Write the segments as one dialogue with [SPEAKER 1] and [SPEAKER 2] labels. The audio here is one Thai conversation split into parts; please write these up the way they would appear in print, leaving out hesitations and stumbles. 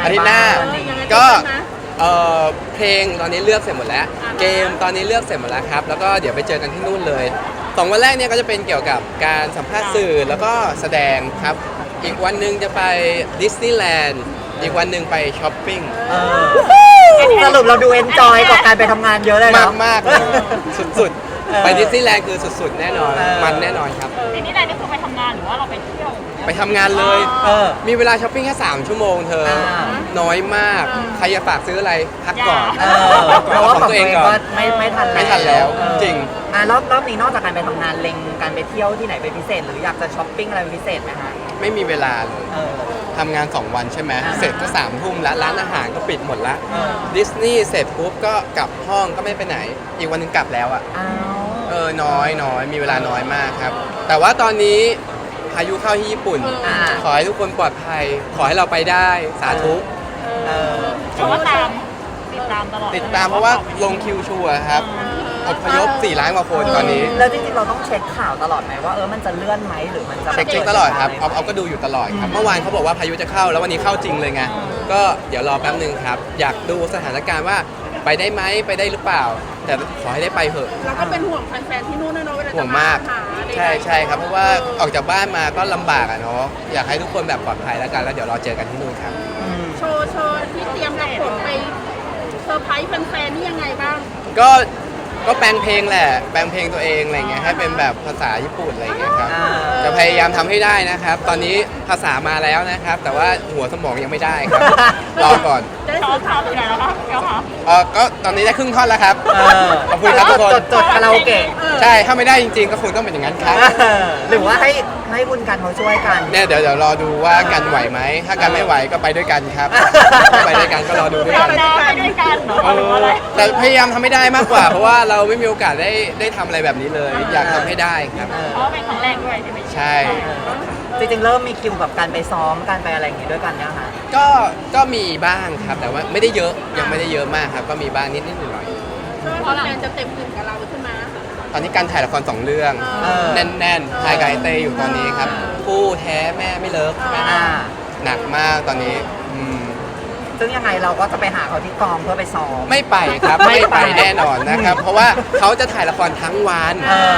[SPEAKER 1] อาทิตย์หน้า
[SPEAKER 2] บ้ง
[SPEAKER 1] ก็เพลงตอนนี้เลือกเสร็จหมดแล้ว เกมตอนนี้เลือกเสร็จหมดแล้วครับแล้วก็เดี๋ยวไปเจอกันที่นู่นเลย2 วันแรกเนี่ยก็จะเป็นเกี่ยวกับการสัมภาษณ์สื่อแล้วก็แสดงครับอีกวันหนึ่งจะไปดิสนีย์แลนด์อีกวันหนึ่งไปช้อปปิ้ง
[SPEAKER 2] สรุปเราดูเอนจอยกับการไปทำงานเยอะเลย
[SPEAKER 1] มา
[SPEAKER 2] เนาะ
[SPEAKER 1] กมากๆเลยสุดๆไปดิสนีย์แลนด์คือสุดๆแน่นอนมันแน่นอนครับ
[SPEAKER 3] ทีนี้นายนี่คือไปทำงานหรือว่าเราไปเที่ยว
[SPEAKER 1] ไปทำงานเลย มีเวลาช้อปปิ้งแค่3 ชั่วโมงเธอน้อยมากใครจะฝากซื้ออะไรพักก่อน
[SPEAKER 2] เพราะว่า
[SPEAKER 1] ของ
[SPEAKER 2] ของ
[SPEAKER 1] ตั
[SPEAKER 2] ตัว ว
[SPEAKER 1] เอ
[SPEAKER 2] เอง ง
[SPEAKER 1] ก่
[SPEAKER 2] ก็
[SPEAKER 1] อน
[SPEAKER 2] ไม่ทัน
[SPEAKER 1] ไม่ทันแล้วจริง
[SPEAKER 2] รอบนี้นอกจากการไปทำงานเล็งการไปเที่ยวที่ไหนเป็นพิเศษหรืออยากจะช้อปปิ้งอะไรเป็นพิเศษไหมคะ
[SPEAKER 1] ไม่มีเวลาเลย
[SPEAKER 2] เออ
[SPEAKER 1] ทำงาน 2 วันใช่ไหม
[SPEAKER 2] อ่า
[SPEAKER 1] เสร็จก็3 ทุ่มแล้วร้านอาหารก็ปิดหมดแล้ว
[SPEAKER 2] เออ
[SPEAKER 1] ดิสนีย์เสร็จปุ๊บก็กลับห้องก็ไม่ไปไหน อีกวันหนึงกลับแล้วอ่ะ
[SPEAKER 2] อ้าว
[SPEAKER 1] น้อยมีเวลาน้อยมากครับ แต่ว่าตอนนี้พายุเข้าที่ญี่ปุ่น ขอให้ทุกคนปลอดภัย ขอให้เราไปได้สาธุ
[SPEAKER 2] เออ
[SPEAKER 3] เพราะว่าติดตามตลอด
[SPEAKER 1] ติดตามเพราะว่าลงคิวชัวร์ครับอพยพ4 ล้านกว่าคนตอนนี้
[SPEAKER 2] แล้วจริงๆเราต้องเช็คข่าวตลอดไหมว่ามันจะเลื่อนไหมหรือมันจะ
[SPEAKER 1] เช็คตลอดครับเอาก็ดูอยู่ตลอดครับ เมื่อวานเขาบอกว่าพายุจะเข้าแล้ววันนี้เข้าจริงเลยไง ก็เดี๋ยวรอแป๊บนึงครับ อยากดูสถานการณ์ว่าไปได้ไหมไปได้หรือเปล่า แต่ขอให้ได้ไปเถอะ
[SPEAKER 4] เราก็เป็นห่วงแฟนๆที่นู่นนะเนาะเวลา
[SPEAKER 1] ห่ว
[SPEAKER 4] จะ
[SPEAKER 1] ง
[SPEAKER 4] มาม
[SPEAKER 1] าก
[SPEAKER 4] หาใดๆ
[SPEAKER 1] ใช่ครับเพราะว่าออกจากบ้านมาก็ลำบากอะเนาะอยากให้ทุกคนแบบปลอดภัยแล้วกันแล้วเดี๋ยวรอเจอกันที่นู่นครับ
[SPEAKER 4] โชว์ที่เตรียมกับผมไปเซอร์ไพรส์แฟนๆนี่ยังไงบ้าง
[SPEAKER 1] ก็แปลงเพลงแหละแปลงเพลงตัวเองอะไรเงี้ยให้เป็นแบบภาษาญี่ปุ่นอะไรเงี้ยครับจะพยายามทำให้ได้นะครับ ตอนนี้ภาษามาแล้วนะครับ แต่ว่าหัวสมองยังไม่ได้ครับ รอก่อน
[SPEAKER 4] จะได้
[SPEAKER 3] ชอ
[SPEAKER 4] สื่
[SPEAKER 3] บ
[SPEAKER 4] อสาร
[SPEAKER 3] ทำอยู่ไหนแล้วคะเดี๋ยวค่ะ
[SPEAKER 1] ก็ตอนนี้ได้ครึ่งท่อนแล้วครับ ขอบคุณครับทุกคน
[SPEAKER 2] จดคาราโอเกะ
[SPEAKER 1] ใช่ถ้าไม่ได้จริงๆ ก็คงต้องเป็นอย่างนั้นครับ
[SPEAKER 2] หรือว่าให้คุณกันเขาช่วยกัน
[SPEAKER 1] เนี่ยเดี๋ยวรอดูว่ากันไหวไหมถ้ากันไม่ไหวก็ไปด้วยกันครับถ้าไปด้วยกันก็รอดูด้วย
[SPEAKER 3] เรา
[SPEAKER 1] กัน
[SPEAKER 3] ไปด้วยกันเหรอหรือว่าอะไร
[SPEAKER 1] แต่พยายามทำให้ได้มากกว่า เพราะว่าเราไม่มีโอกาสได้ทำอะไรแบบนี้เลย อยากทำให้ได้ครับ
[SPEAKER 3] เพราะว่าเป็นครั้งแรกด้วยใช่ไหม
[SPEAKER 1] ใช่
[SPEAKER 2] จริงๆเริ่มมีคิวกับการไปซ้อมการไปอะไรอย่างงี้ด้วยกันเนี่ยค่ะ
[SPEAKER 1] ก็มีบ้างครับ แต่ว่าไม่ได้เยอะยังไม่ได้เยอะมากครับ ก็มีบ้างนิดหน่อย
[SPEAKER 4] ก็แฟนๆจะเต็มอิ่มกับเราใช่ไหม
[SPEAKER 1] ตอนนี้การถ่ายละคร2 เรื่อง แน่นๆถ่ายกับไอเต้อยู่ตอนนี้ครับคู่แท้แม่ไม่เลิก
[SPEAKER 2] อ่า
[SPEAKER 1] หนักมากตอนนี้
[SPEAKER 2] ซึ่งยังไงเราก็จะไปหาเขาที่กองเพื่อไปซ้อม
[SPEAKER 1] ไม่ไปครับไม่ไปแน่นอนนะครับ เพราะว่าเขาจะถ่ายละครทั้งวัน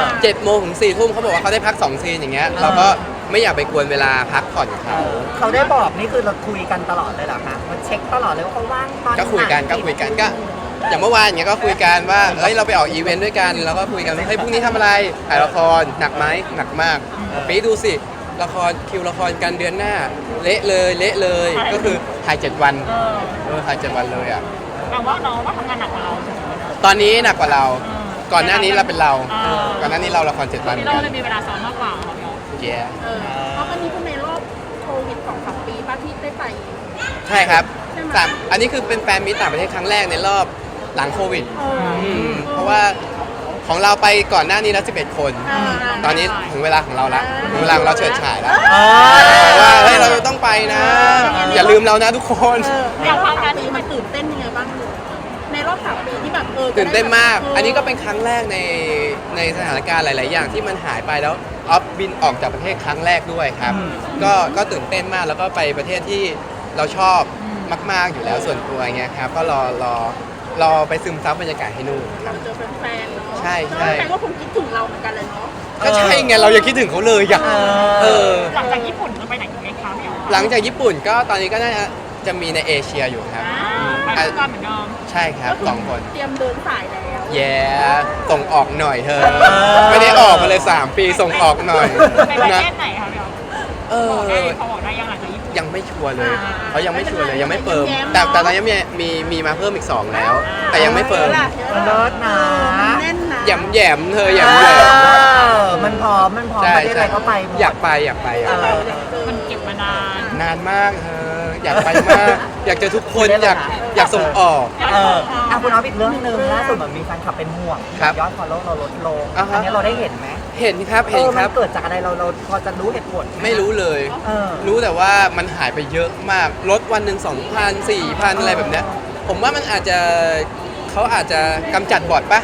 [SPEAKER 1] 7 โมงถึง 4 ทุ่มเขาบอกว่าเขาได้พัก2 ซีนอย่างเงี้ยเราก็ไม่อยากไปกวนเวลาพักผ่อนเขา
[SPEAKER 2] เขาได้บอกนี่คือเราคุยกันตลอดเลยเหรอคะมันเช็คตลอดเลยว่าเขาว่างตอนไหน
[SPEAKER 1] ก็คุยกันอย่างเมื่อวานอย่างเงี้ยก็คุยกันว่าเฮ้ยเราไปออกอีเวนต์ด้วยกันแล้วก็คุยกันว่าเฮ้ยพรุ่งนี้ทำอะไรถ่ายละครหนักไหมหนักมากปีดูสิละครคิวละครกันเดือนหน้าเละเลยก็คือถ่าย7 วันถ่าย7 วันเลยอ่ะ
[SPEAKER 3] แปลว่าน้องว่าทำงานหนักกว่าเราใช่ไหม
[SPEAKER 1] ตอนนี้หนักกว่าเราก่อนหน้านี้เราเป็นเรา
[SPEAKER 3] อ่า
[SPEAKER 1] ก่อนหน้านี้เราละคร7 วันเหมื
[SPEAKER 3] ที่
[SPEAKER 1] อน
[SPEAKER 3] เรา
[SPEAKER 1] กัน
[SPEAKER 3] เลยมีเวลาซ้อมมากกว่าเขาเนาะ
[SPEAKER 1] แย่
[SPEAKER 4] เพราะวันนี้เป็นในรอบโควิด2-3 ปีป้าที่ได้ไป
[SPEAKER 1] ใช่ครับ
[SPEAKER 4] ใช่ไหม
[SPEAKER 1] อันนี้คือเป็นแฟนมิตรต่างประเทศครั้งแรกในรอบหลังโควิด เพราะว่าของเราไปก่อนหน้านี้แล้ว11 คน ตอนนี้ถึงเวลาของเราละถึงเวลาของเราเฉิดฉายแล้วว่าเฮ้ยเราต้องไปนะ อย่าลืมเรานะทุกคน
[SPEAKER 3] อย่างครั้งนั้น
[SPEAKER 4] นี้
[SPEAKER 3] ที่
[SPEAKER 4] มั
[SPEAKER 3] มัน น
[SPEAKER 4] ตื่นเต้นยังไงบ้างในรอบ3 ปีที่แบบ
[SPEAKER 1] ตื่นเต้นมาก อันนี้ก็เป็นครั้งแรกในสถานการณ์หลาย ๆ อย่างที่มันหายไปแล้วออฟบินออกจากประเทศครั้งแรกด้วยครับ ก็ตื่นเต้นมากแล้วก็ไปประเทศที่เราชอบมาก ๆ อยู่แล้วส่วนตัวเงี้ยครับก็รอไปซึมซับบรรยากาศให้นู่นครับ
[SPEAKER 4] เจอแฟนๆเนาะ
[SPEAKER 1] ใช่
[SPEAKER 4] แฟนก็คงคิดถึงเราเหมือนกันเลยเนาะ
[SPEAKER 1] ก็ใช่ไงเรายังคิดถึงเขาเลยอยาก
[SPEAKER 3] หลังจากญี่ปุ่นจะไปไหนกันไหมคะพี่อ๋อ
[SPEAKER 1] หลังจากญี่ปุ่นก็ตอนนี้ก็น่าจะมีในเอเชียอยู่ครับ
[SPEAKER 3] ไปด้วยกันเหมือนเดิม
[SPEAKER 1] ใช่ครับ2 คน
[SPEAKER 4] เตรียมเดินสายแล้ว
[SPEAKER 1] แย่ส่งออกหน่อยเธอ ไม่ได้ออกมาเลย3 ปีส่งออกหน่อย
[SPEAKER 3] ไปประ
[SPEAKER 1] นะ
[SPEAKER 3] เทศไหนคะพี่อ๋อบอกได้เขาบอกได้ยังหลังจากญี่ปุ่น
[SPEAKER 1] ยังไม่ชัวร์เลยเขายังไม่ชัวร์เลยยังไม่เฟิร์มแต่ตอนนี้มีมาเพิ่มอีก 2 แล้ว แต่ยังไม่เฟิร์ม
[SPEAKER 2] มันเลิศนะ
[SPEAKER 4] แน่นนะ
[SPEAKER 1] แหยมเธอแหยม
[SPEAKER 2] มันพร้อมประเทศอะไรก็ไปหมด
[SPEAKER 1] อยากไป
[SPEAKER 3] มันเก็บมานาน
[SPEAKER 1] นานมากเธออยากไปมาก อยากเจอทุกคนอยากส่งออก
[SPEAKER 2] คุณเอาอีกเรื่องหนึ่งล่าสุดเหมือนมีแฟนคลับเป็นห่วง
[SPEAKER 1] ครับ
[SPEAKER 2] ยอดฟอลโล่เราลดลง
[SPEAKER 1] อ่าฮะ
[SPEAKER 2] อันนี้เราได้เห็นไหม
[SPEAKER 1] เห็นครับ
[SPEAKER 2] มันเกิดจากอะไรเราพอจะรู้เหตุผลห
[SPEAKER 1] ไม่รู้เลย รู้แต่ว่ามันหายไปเยอะมากลดวันหนึ่ง2,000 4,000 อะไรแบบเนี้ยผมว่ามันอาจจะเขาอาจจะกำจัดบอทปะ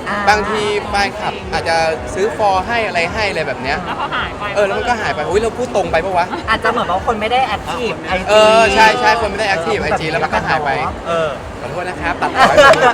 [SPEAKER 1] บางทีแฟนคลับอาจจะซื้อฟอร์ให้อะไรให้อะไรแบบเนี้ย
[SPEAKER 3] แล้วเขาหายไป
[SPEAKER 1] แล้วมันก็หายไปอุ้ยเราพูดตรงไปปะวะ
[SPEAKER 2] อาจจะเหมือนว่าคนไม่ได้แอคทีฟไอจี
[SPEAKER 1] ใช่คนไม่ได้แอคทีฟไอจีแล้วมันก็หายไป ขอโทษนะครับตัดต่อให้ผม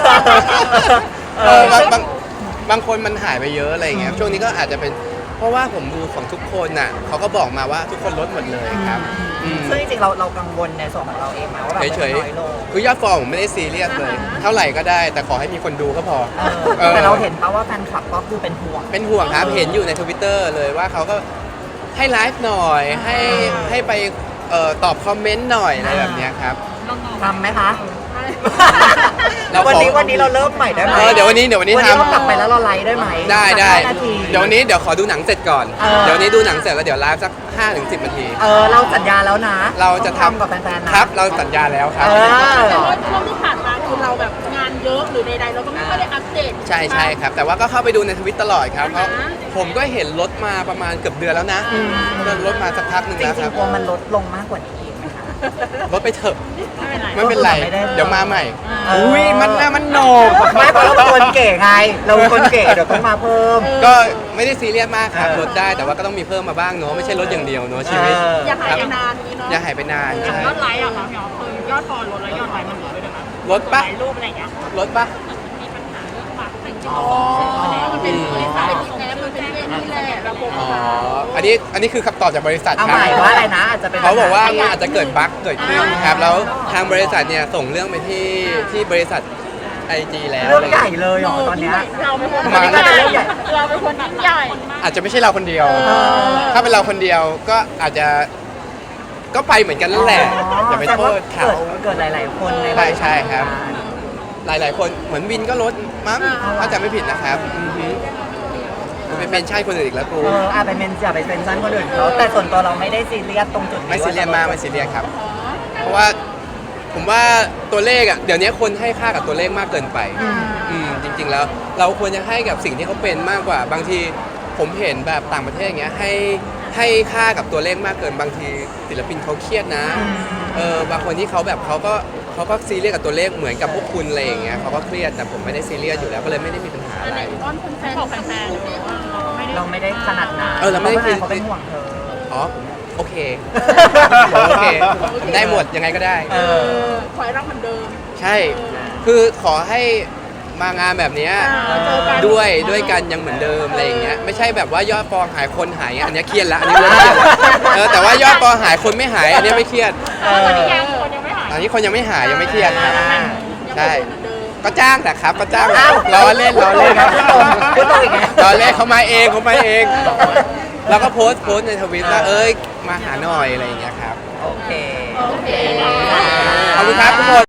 [SPEAKER 1] บางคนมันหายไปเยอะอะไรอย่างเงี้ยช่วงนี้ก็อาจจะเป็นเพราะว่าผมดูของทุกคนน่ะเขาก็บอกมาว่าทุกคนลดหมดเลยครับอืม
[SPEAKER 2] ซึ่งจริงๆเรากังวลในส่วนของเราเองไหมว่าแบบ
[SPEAKER 1] เฉย
[SPEAKER 2] มันน้อยลง
[SPEAKER 1] ๆคือยอดฟอลผมไม่ได้ซีเรียสเลย เท่าไหร่ก็ได้แต่ขอให้มีคนดูก็พอ
[SPEAKER 2] แต่เราเห็นปะว่าแฟนคลับก็คือเป็นห่วง
[SPEAKER 1] เป็นห่วงครับเห็นอยู่ใน Twitter เลยว่าเขาก็ให้ไลฟ์หน่อยให้ไปตอบคอมเมนต์หน่อยอะไรแบบเนี้ยครับ
[SPEAKER 2] ทำไหมคะ
[SPEAKER 1] เราขอ
[SPEAKER 2] วันนี้เราเริ่มใหม่ได้ไหม
[SPEAKER 1] เดี๋ยววันนี้
[SPEAKER 2] วันนี้
[SPEAKER 1] ท
[SPEAKER 2] เรากลับไปแล้วเราไลฟ์ได้ไหม
[SPEAKER 1] ำได้
[SPEAKER 2] สัก5นาที
[SPEAKER 1] เดี๋ยววันนี้เดี๋ยวขอดูหนังเสร็จก่อน
[SPEAKER 2] เดี๋ยว
[SPEAKER 1] วันนี้ดูหนังเสร็จแล้วเดี๋ยวไลฟ์สัก 5-10 นาที
[SPEAKER 2] เราสัญญาแล้วนะ
[SPEAKER 1] เราจะ
[SPEAKER 2] ต้องกับแฟนๆนะครับ
[SPEAKER 1] เราสัญญาแล้วครับ
[SPEAKER 4] แต่ว่าช่วงที่ผ่านมาคือเราแบบงานเยอะหรือใดๆเราก็ไม่ค่อยได้อัปเดต
[SPEAKER 1] ใช่ครับ แต่ว่าก็เข้าไปดูในทวิตตลอดครับเพราะผมก็เห็นลดมาประมาณเกือบเดือนแล้วนะลดมาสักพักหนึ่ง
[SPEAKER 2] จ
[SPEAKER 1] แล้ว
[SPEAKER 2] ริ
[SPEAKER 1] ค
[SPEAKER 2] ง
[SPEAKER 1] รับ
[SPEAKER 2] ๆกลัวมันลดลงมากกว่านี้อีกไหมคะ
[SPEAKER 1] ลดไปเถอะ
[SPEAKER 3] ไม่เป็นไร
[SPEAKER 1] ไม่เป็นไร
[SPEAKER 2] ไม่ได้
[SPEAKER 1] เดี๋ยวมาใหม่
[SPEAKER 2] เอออุ๊
[SPEAKER 1] อุ้ยมันหน้ามันโหนก
[SPEAKER 2] ไม่เพราะเราเป็นคนเก๋ไง เราเป็นคนเก๋เดี๋ยวต้องมาเพิ่ม
[SPEAKER 1] ก็ไม่ได้ซีเรียสมากครับ
[SPEAKER 2] เออ
[SPEAKER 1] ลดได้แต่ว่าก็ต้องมีเพิ่มมาบ้างเนาะไม่ใช่ลดอย่างเดียวเนาะชีวิต
[SPEAKER 4] อย่าหาย
[SPEAKER 1] ครับ
[SPEAKER 4] ไปนานนี้เนาะ
[SPEAKER 1] อย่าหายไปนาน
[SPEAKER 3] อย่าง
[SPEAKER 1] ใช่
[SPEAKER 3] ยอดไลค์อะค่ะพี่อ๋อคือยอดฟอลลดแล้วยอดไลค์มันลดด้วยนะ
[SPEAKER 1] ลดปะ
[SPEAKER 3] ถ่ายรูปอะไรอย่างเงี้ย
[SPEAKER 1] ลดปะ
[SPEAKER 3] มีปัญหาเรื่องปากแต่ง
[SPEAKER 2] อ๋อ
[SPEAKER 4] มันเป็นบริษัทแอปมันเป็นเรื่องนี้แหละระบบ
[SPEAKER 1] อ๋ออันนี้คือคำตอบจากบริษัท
[SPEAKER 2] เอา
[SPEAKER 1] ครั
[SPEAKER 2] ใหม่ว่าอะไรนะอาจจะเป็น
[SPEAKER 1] เขาบอกว่ามันอาจจะเกิดบั๊กเกิดขึ้นครับแล้วทางบริษัทเนี่ยส่งเรื่องไปที่บริษัท IG แล้ว
[SPEAKER 2] เรื่องใหญ่เลยเหรอตอนเนี้ย
[SPEAKER 4] เราเป็นคน
[SPEAKER 1] มา
[SPEAKER 4] ยิ่งใหญ่เราเป็นคนยิ่งใหญ่
[SPEAKER 1] อาจจะไม่ใช่เราคนเดียว ถ้าเป็นเราคนเดียวก็อาจจะก็ไปเหมือนกันนั่นแหละอย่าไปโทษเขา
[SPEAKER 2] เกิดหลายๆคนใน
[SPEAKER 1] ใช่ครับ หลายๆคนเหมือนวินก็ลดมั้งถ้าจำไม่ผิดนะครับอือฮึเป็นเมนชั่นคนอื่นอีกแล้วกู
[SPEAKER 2] อาจไปเป็นอย่าไปเป็นชั้นคนอื่นเขาแต่ส่วนตัวเราไม่ได้ซีเรียสตรงจุดนี้
[SPEAKER 1] ไม่ซีเรียสมากไม่ซีเรียสครับ เพราะว่าผมว่าตัวเลขอ่ะเดี๋ยวนี้คนให้ค่ากับตัวเลขมากเกินไปจริงๆแล้วเราควรจะให้กับสิ่งที่เขาเป็นมากกว่าบางทีผมเห็นแบบต่างประเทศอย่างเงี้ยให้ค่ากับตัวเลขมากเกินบางทีศิลปินเขาเครียดนะบางคนที่เขาแบบเขาก็ซีเรียสกับตัวเลขเหมือนกับพวกคุณอะไรอย่างเงี้ยเขาก็เครียดแต่ผมไม่ได้ซีเรียสอยู่แล้วก็เลยไม่ได้มีปัญหาอะไร
[SPEAKER 4] อ้อนแฟน
[SPEAKER 3] บอกแฟนๆเลยว่าเราไม่ได้
[SPEAKER 2] เราไม่ได้ขนาดนั้น
[SPEAKER 1] เราไม่ได้
[SPEAKER 2] เขาเป็นห่วงเธอ
[SPEAKER 1] อ๋อผมโอเคโอเคผมได้หมดยังไงก็ได้
[SPEAKER 4] ขอให้รักเหมือนเดิม
[SPEAKER 1] ใช่ คือขอให้มางานแบบเนี้ย
[SPEAKER 4] เจอกัน
[SPEAKER 1] ด้วยกันยังเหมือนเดิมอะไรอย่างเงี้ย ไม่ใช่แบบว่ายอดฟอลหายคนหายอันเนี้ยเครียดละอันนี้เริ่มเครียดละแต่ว่ายอดฟอลหายคนไม่หายอันเนี้ยไม่เครียด
[SPEAKER 3] ตอนนี้ยังคนยังไม่หาย
[SPEAKER 1] อันนี้คนยังไม่หายยังไม่เครียดครับ ใช่
[SPEAKER 4] เหมือนเดิม
[SPEAKER 1] ก็จ้างแต่ครับก็จ้าง
[SPEAKER 2] อ้าว
[SPEAKER 1] ล้อเล่นล้อเล่น
[SPEAKER 2] พูดตรงอีกไง
[SPEAKER 1] ล้อเล่นเขามาเองแล้วก็โพสต์ในทวิตว่าเอ้ยมาหาหน่อยอะไรอย่างเงี้ยครับ
[SPEAKER 2] โอเค
[SPEAKER 4] โอเค
[SPEAKER 1] ขอบคุณครับทุกคน